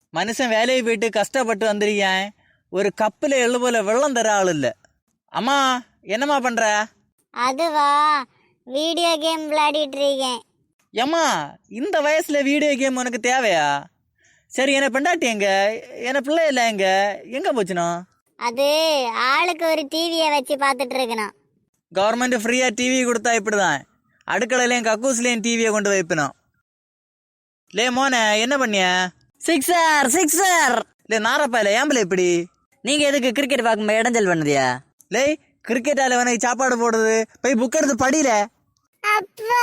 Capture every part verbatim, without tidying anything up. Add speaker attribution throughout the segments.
Speaker 1: மனுஷன் வேலையை போயிட்டு கஷ்டப்பட்டு வந்திருக்கேன். ஒரு கப்பில் எள்ளு போல வெள்ளம் தர ஆள் இல்லை. அம்மா என்னம்மா பண்ற?
Speaker 2: அதுவா, வீடியோ கேம் விளையாடிட்டு இருக்கேன்.
Speaker 1: ஏம்மா இந்த வயசுல வீடியோ கேம் உனக்கு தேவையா? சரி, என்ன பெண்டாட்டி எங்க? என்ன பிள்ளை இல்லை எங்க? எங்க போச்சுனோ?
Speaker 2: அது ஆளுக்கு ஒரு டிவியை வச்சு பார்த்துட்டு இருக்கணும்.
Speaker 1: கவர்மெண்ட் ஃப்ரீயா டிவி கொடுத்தா இப்படிதான். அடுக்கலையும் கக்கூஸ்லயும் டிவியை கொண்டு வைப்பினோம். லே மோனே, என்ன பண்ணிய?
Speaker 3: Sixer sixer.
Speaker 1: லே நாரப்பா இல்லை ஏம்பல இப்படி?
Speaker 3: நீங்க எதுக்கு கிரிக்கெட் பார்க்கும்போது இடைஞ்சல் பண்ணுதியா?
Speaker 1: லே கிரிக்கெட்டால உனக்கு சாப்பாடு போடுது, போய் புக் எடுத்து படியில.
Speaker 2: அப்பா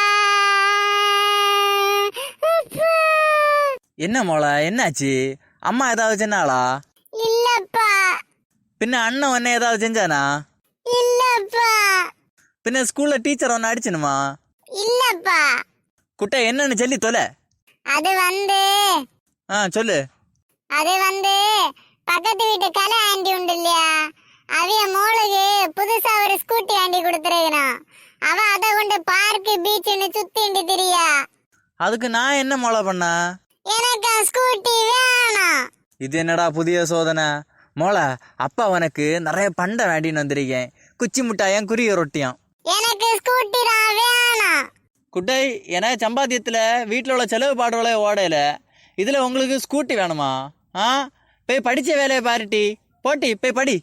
Speaker 1: என்ன மோளா, என்னாச்சு? அம்மா ஏதாவது செஞ்சாளா?
Speaker 2: இல்லப்பா.
Speaker 1: பின்ன அண்ணன் உன்ன ஏதாவது செஞ்சானா?
Speaker 2: இல்லப்பா.
Speaker 1: பின்ன ஸ்கூல்ல டீச்சர் ஒன்னு அடிச்சனுமா?
Speaker 2: இல்லப்பா.
Speaker 1: குட்டை என்னன்னு சொல்லி தொலை.
Speaker 2: அது வந்து
Speaker 1: ஆ சொல்லு.
Speaker 2: அது வந்து பக்கத்து வீட்டு கலை ஆண்டி உண்டு இல்லையா, அவைய மோளுக்கு புதுசா ஒரு ஸ்கூட்டி ஆண்டி கொடுத்துருக்கணும். அவ அதை கொண்டு பார்க்கு பீச்சுன்னு சுத்திண்டு திரியா.
Speaker 1: அதுக்கு நான் என்ன மோளை பண்ண?
Speaker 2: எனக்கு ஸ்கூட்டி வேணும்.
Speaker 1: இது என்னடா புதிய சோதனை? மோளை, அப்பா உனக்கு நிறைய பண்டை வேண்டின்னு வந்திருக்கேன். குச்சி முட்டாயம், குரிய ரொட்டியாம்.
Speaker 2: எனக்கு ஸ்கூட்டி தான் வேணும்.
Speaker 1: குட்டை, எனக்கு சம்பாத்தியத்தில் வீட்டில் உள்ள செலவு பாடுகளை ஓடையில இதில் உங்களுக்கு ஸ்கூட்டி வேணுமா? ஆ, போய் படித்த வேலையை பாருட்டி. போட்டி போய் படி.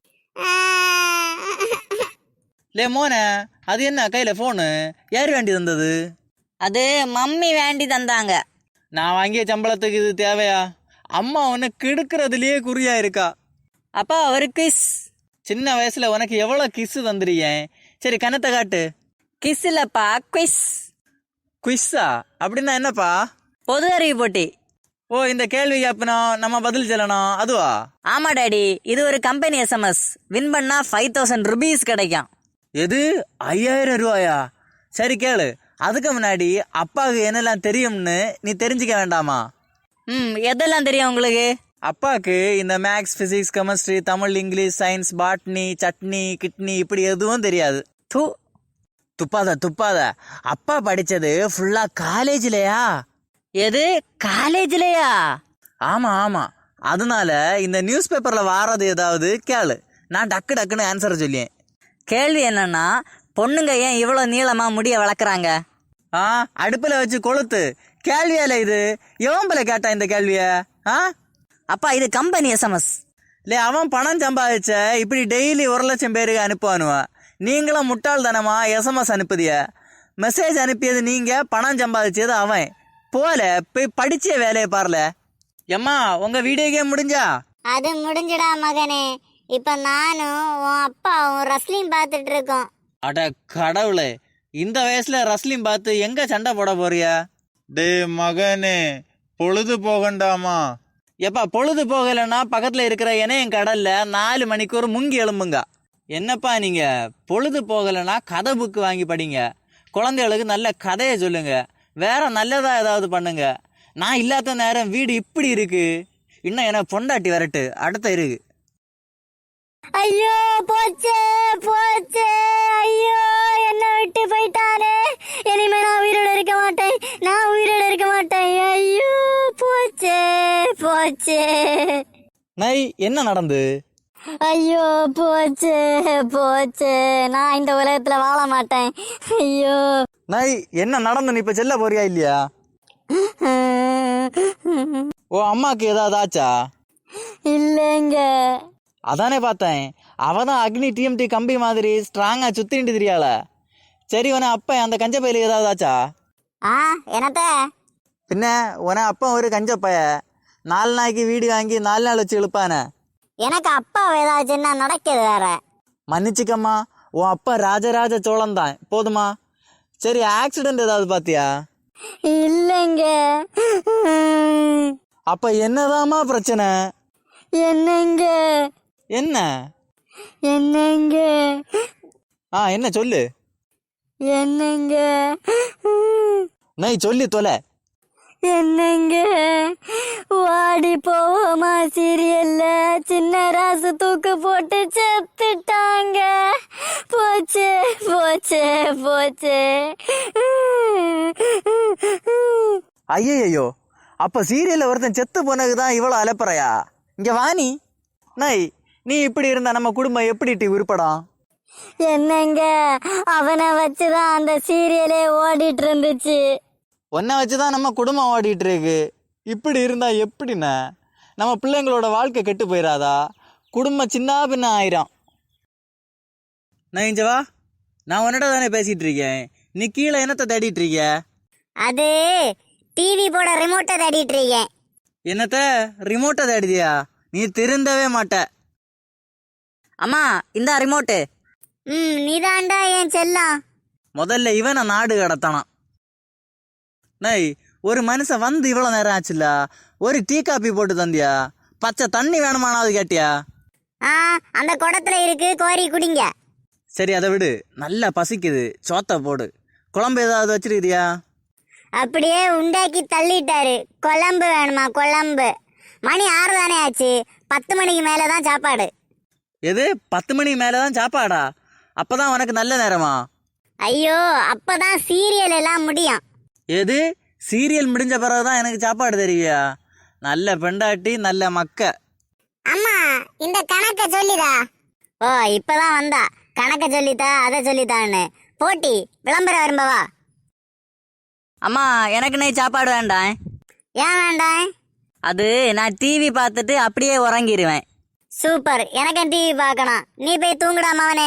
Speaker 1: லே மோனே, அது என்ன கையில் ஃபோனு? யார் வேண்டி தந்தது?
Speaker 3: அது மம்மி வேண்டி தந்தாங்க.
Speaker 1: நான் வாங்கிய சம்பளத்துக்கு இது தேவையா? அம்மா உனக்கு கெடுக்கிறதுலயே குறியா இருக்கா.
Speaker 3: அப்பா ஒரு கிஸ்.
Speaker 1: சின்ன வயசுல உனக்கு எவ்வளவு கிஸ் தந்துருக்கேன். சரி, கணத்தை காட்டு.
Speaker 3: கிஸ் இல்லப்பா, குவிஸ்.
Speaker 1: குவிஸா? அப்படின்னா என்னப்பா?
Speaker 3: பொது அறிவு போட்டி.
Speaker 1: ஓ, இந்த கேள்வி கேட்பணும், நம்ம பதில் சொல்லணும், அதுவா?
Speaker 3: ஆமா டாடி, இது ஒரு கம்பெனி எஸ்எம்எஸ். வின் பண்ணா ஃபைவ் தௌசண்ட் ருபீஸ் கிடைக்கும்.
Speaker 1: எது, ஐயாயிரம் ரூபாயா? சரி கேளு. அதுக்கு முன்னாடி அப்பாவுக்கு என்னெல்லாம் தெரியும்னு நீ தெரிஞ்சுக்க வேண்டாமா?
Speaker 3: ம் எதெல்லாம் தெரியும் உங்களுக்கு?
Speaker 1: அப்பாவுக்கு இந்த maths, physics, chemistry, Tamil, English, science, botany, chutney, kidney இப்படி எதுவும் தெரியாது.
Speaker 3: தூ
Speaker 1: துப்பாத துப்பாத. அப்பா படிச்சது ஃபுல்லா காலேஜ்லயா?
Speaker 3: எது, காலேஜ்லயா?
Speaker 1: ஆமா ஆமா. அதனால இந்த நியூஸ் பேப்பர்ல வாரது ஏதாவது கேளு, நான் டக்கு டக்குன்னு ஆன்சர் சொல்லியேன்.
Speaker 3: கேள்வி என்னன்னா, பொண்ணுங்க ஏன் இவ்வளவு நீளமா முடிய வளர்க்குறாங்க?
Speaker 1: ஆ, அடுப்புல வச்சு கொளுத்து. கேள்வியால இது? எவன்பல கேட்டா இந்த கேள்விய? ஆ
Speaker 3: அப்பா, இது கம்பெனி எஸ்எம்எஸ்.
Speaker 1: இல்லை, அவன் பணம் சம்பாதிச்ச இப்படி டெய்லி ஒரு லட்சம் பேருக்கு அனுப்புவானுவான். நீங்களும் முட்டாள் தானமா எஸ்எம்எஸ் அனுப்புதிய? மெசேஜ் அனுப்பியது நீங்க, பணம் சம்பாதிச்சது அவன். போல போய் படிச்ச வேலையை பாருல. எம்மா, உங்க வீடியோ கேம் முடிஞ்சா?
Speaker 2: அது முடிஞ்சுடா மகனே. இப்ப நானும் உன் அப்பாவும் ரஸ்லிங் பார்த்துட்டு இருக்கோம்.
Speaker 1: அட கடவுளே, இந்த வயசுல ரஸ்லிங் பார்த்து எங்க சண்டை போட போறிய?
Speaker 4: டே மகனே, பொழுது போகண்டாமா?
Speaker 1: எப்பா பொழுது போகலைன்னா பக்கத்துல இருக்கிற இணையம் கடல்ல நாலு மணிக்கு ஒரு முங்கி எழும்புங்க. என்னப்பா நீங்க, பொழுது போகலைன்னா கதை புக்கு வாங்கி படிங்க. குழந்தைகளுக்கு நல்ல கதையை சொல்லுங்க. வேற நல்லதா ஏதாவது பண்ணுங்க. நான் இல்லாத நேரம் வீடு இப்படி இருக்கு. இன்னும் எனக்கு பொண்டாட்டி வரட்டு, அடுத்த இருக்கு.
Speaker 2: ஐயோ போச்சே போச்சே, ஐயோ என்ன விட்டு போயிட்டானே. இனிமே நான் உயிரோட இருக்க மாட்டேன், நான் உயிரோட இருக்க மாட்டேன். ஐயோ போச்சே போச்சே.
Speaker 1: நை, என்ன நடந்து?
Speaker 2: ஐயோ போச்சே போச்சே, நான் இந்த உலகத்துல வாழ மாட்டேன். ஐயோ
Speaker 1: நை, என்ன நடந்து? நீ இப்ப செல்ல போறியா இல்லையா? ஓ, அம்மாக்கு ஏதாவது ஆச்சா?
Speaker 2: இல்லைங்க.
Speaker 1: அதானே பார்த்தேன். அவதான் அக்னி டிஎம்டி கம்பி மாதிரி ஸ்ட்ராங்கா சுத்திட்டு தெரியாள. சரி, உன அப்ப அந்த கஞ்ச பையில ஏதாவது ஆச்சா?
Speaker 2: ஆ என்னத்த?
Speaker 1: பின்ன உன அப்பா ஒரு கஞ்ச பைய நாலு நாளைக்கு வீடு வாங்கி நாலு நாள் வச்சு இழுப்பானே.
Speaker 2: எனக்கு அப்பா ஏதாச்சுன்னா நடக்குது வேற.
Speaker 1: மன்னிச்சுக்கம்மா, உன் அப்பா ராஜராஜ சோழன் தான், போதுமா? சரி, ஆக்சிடென்ட் ஏதாவது பாத்தியா?
Speaker 2: இல்லைங்க.
Speaker 1: அப்ப என்னதாம்மா பிரச்சனை?
Speaker 2: என்னங்க
Speaker 1: என்ன
Speaker 2: என்னங்க
Speaker 1: ஆ என்ன சொல்லு.
Speaker 2: என்னங்க
Speaker 1: நை சொல்லி தொலை.
Speaker 2: என்னங்க, வாடி போவோமா சீரியல்ல சின்ன ராசு தூக்கு போட்டு செத்துட்டாங்க. போச்சு போச்சு போச்சு.
Speaker 1: ஐயோ, அப்ப சீரியல்ல ஒருத்தன் செத்து போனதுதான் இவ்வளவு அலப்பறையா? இங்க வாணி நை, நீ இப்படி இருந்தா நம்ம குடும்பம் எப்படி டி உருப்படும்?
Speaker 2: என்னங்க, அவனை வச்சுதான் அந்த சீரியலே ஓடிட்டு இருந்துச்சு.
Speaker 1: ஒன்றை வச்சுதான் நம்ம குடும்பம் ஓடிட்டு இருக்கு. இப்படி இருந்தா எப்படிண்ணே? நம்ம பிள்ளைங்களோட வாழ்க்கை கெட்டு போயிடாதா? குடும்பம் சின்ன பின்ன ஆயிரும். நான் இங்க வா, நான் உன்னிட்ட தானே பேசிட்டு இருக்கேன். நீ கீழே என்னத்தை தேடிட்டு இருக்க?
Speaker 2: அது டிவி போட ரிமோட்டை தேடிட்டு இருக்கேன்.
Speaker 1: என்னத்த ரிமோட்டை தேடிதியா? நீ திருந்தவே மாட்ட.
Speaker 3: அம்மா இந்த ரிமோட்டு.
Speaker 2: ம் நீதாண்டா என் செல்லம்.
Speaker 1: முதல்ல இவனை நாடு கடத்தானான். நை, ஒரு மனுஷன் வந்து இவ்வளவு நேரம் ஆச்சுல்ல, ஒரு டீ காப்பி போட்டு தந்தியா? பச்சை தண்ணி வேணுமானாவது கேட்டியா?
Speaker 2: ஆ அந்த குடத்துல இருக்கு, கோரி குடிங்க.
Speaker 1: சரி அதை விடு, நல்லா பசிக்குது, சோத்த போடு. குழம்பு ஏதாவது வச்சிருக்கிறியா?
Speaker 2: அப்படியே உண்டாக்கி தள்ளிட்டாரு. குழம்பு வேணுமா? குழம்பு. மணி ஆறு தானே ஆச்சு, பத்து மணிக்கு மேலதான் சாப்பாடு.
Speaker 1: எது பத்து மணிக்கு மேலதான் சாப்பாடா? அப்பதான் உனக்கு நல்ல நேரமா?
Speaker 2: ஐயோ, அப்பதான் சீரியல் எல்லாம் முடியும்.
Speaker 1: எது சீரியல் முடிஞ்ச பிறகுதான் எனக்கு சாப்பாடு தெரியா? நல்ல பெண்டாட்டி, நல்ல மக்க.
Speaker 2: அம்மா இந்த கணக்க சொல்லிதா. ஓ இப்பதான் வந்தா. கணக்க சொல்லித்தா, அதை சொல்லித்தான்னு போட்டி விளம்பரம் வரும்பவா.
Speaker 3: அம்மா எனக்கு நை சாப்பாடு வேண்டாம்.
Speaker 2: ஏன் வேண்டாம்?
Speaker 3: அது நான் டிவி பார்த்துட்டு அப்படியே உறங்கிடுவேன்.
Speaker 2: சூப்பர், எனக்கு டிவி பார்க்கணும். நீ போய் தூங்குடா மவனே.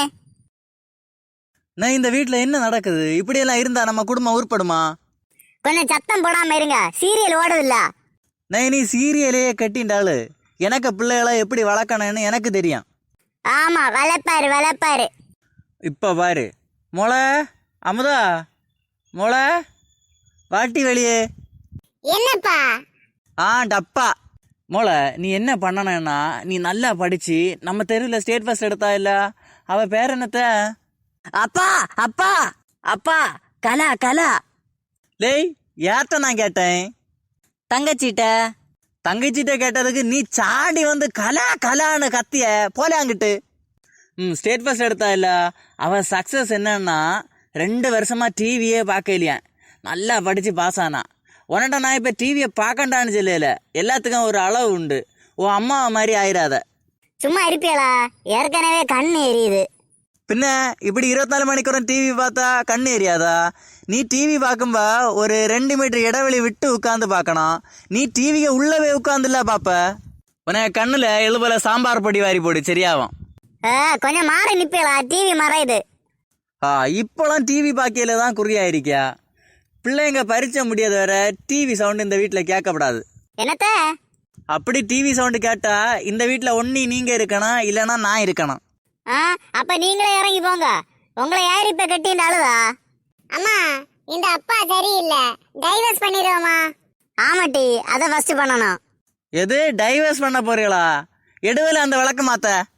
Speaker 1: நான் இந்த வீட்டுல என்ன நடக்குது? இப்படியெல்லாம் இருந்தா நம்ம குடும்பம் உருப்படுமா?
Speaker 2: கொஞ்சம் சத்தம் போடாம இருங்க, சீரியல் ஓடுதில்ல.
Speaker 1: நான் நீ சீரியலையே கட்டின்றாளு. எனக்கு பிள்ளைகளை எப்படி வளர்க்கணும்னு எனக்கு தெரியும்.
Speaker 2: ஆமா, வளர்ப்பாரு வளர்ப்பாரு.
Speaker 1: இப்ப பாரு, மொளை அமுதா, மொளை வாட்டி வெளியே.
Speaker 2: என்னப்பா?
Speaker 1: ஆ டப்பா. மொளை, நீ என்ன பண்ணணும்னா, நீ நல்லா படிச்சு நம்ம தெருவில் ஸ்டேட் ஃபர்ஸ்ட் எடுத்தா இல்ல, அவ பேர் என்னத்த?
Speaker 3: அப்பா அப்பா அப்பா கலா கலா.
Speaker 1: லேய், யார்கிட்ட நான் கேட்டேன்?
Speaker 3: தங்கச்சிட்ட.
Speaker 1: தங்கச்சிட்ட கேட்டதுக்கு நீ சாடி வந்து கலா கலான்னு கத்திய போல அங்கிட்டு. ம் ஸ்டேட் ஃபர்ஸ்ட் எடுத்தா இல்ல, அவ சக்சஸ் என்னன்னா ரெண்டு வருஷமா டிவியே பார்க்க இல்லையா, நல்லா படிச்சு பாஸ் ஆனா. உன்கிட்ட நான் இப்ப டிவியை பார்க்கண்டான்னு சொல்லல, எல்லாத்துக்கும் ஒரு அளவு உண்டு. உன் அம்மா மாதிரி ஆயிராத.
Speaker 2: சும்மா இருப்பியலா? ஏற்கனவே கண் எரியுது.
Speaker 1: பின்ன இப்படி இருபத்தி நாலு மணிக்கூரம் டிவி பார்த்தா கண்ணு எரியாதா? நீ டிவி பார்க்கும்பா ஒரு ரெண்டு மீட்டர் இடைவெளி விட்டு உட்காந்து பார்க்கணும். நீ டிவியை உள்ளவே உட்காந்துல பாப்ப. உனக்கு கண்ணுல எழுபல சாம்பார் பொடி வாரி போடு, சரியாகும்.
Speaker 2: கொஞ்சம் மாறி நிப்பியலா, டிவி மறையுது.
Speaker 1: ஆ இப்போலாம் டிவி பாக்கியில தான் குறியாயிருக்கியா? பிள்ளைங்க பரிச்சை முடியாத வேற டிவி சவுண்டு இந்த வீட்டில் கேட்கப்படாது.
Speaker 2: என்னத்த?
Speaker 1: அப்படி டிவி சவுண்டு கேட்டா இந்த வீட்டில் ஒன்னி நீங்க இருக்கணும், இல்லைன்னா நான் இருக்கணும்.
Speaker 2: ஆ அப்ப நீங்களே இறங்கி போங்க. உங்களை யார் இப்ப கட்டின்னு அழுதா? அம்மா இந்த அப்பா சரியில்லை, டைவர்ஸ் பண்ணிடுவோமா? ஆமாட்டி, அதை ஃபர்ஸ்ட் பண்ணணும்.
Speaker 1: எது டைவர்ஸ் பண்ண போறீங்களா? எடுவல அந்த விளக்க மாத்த.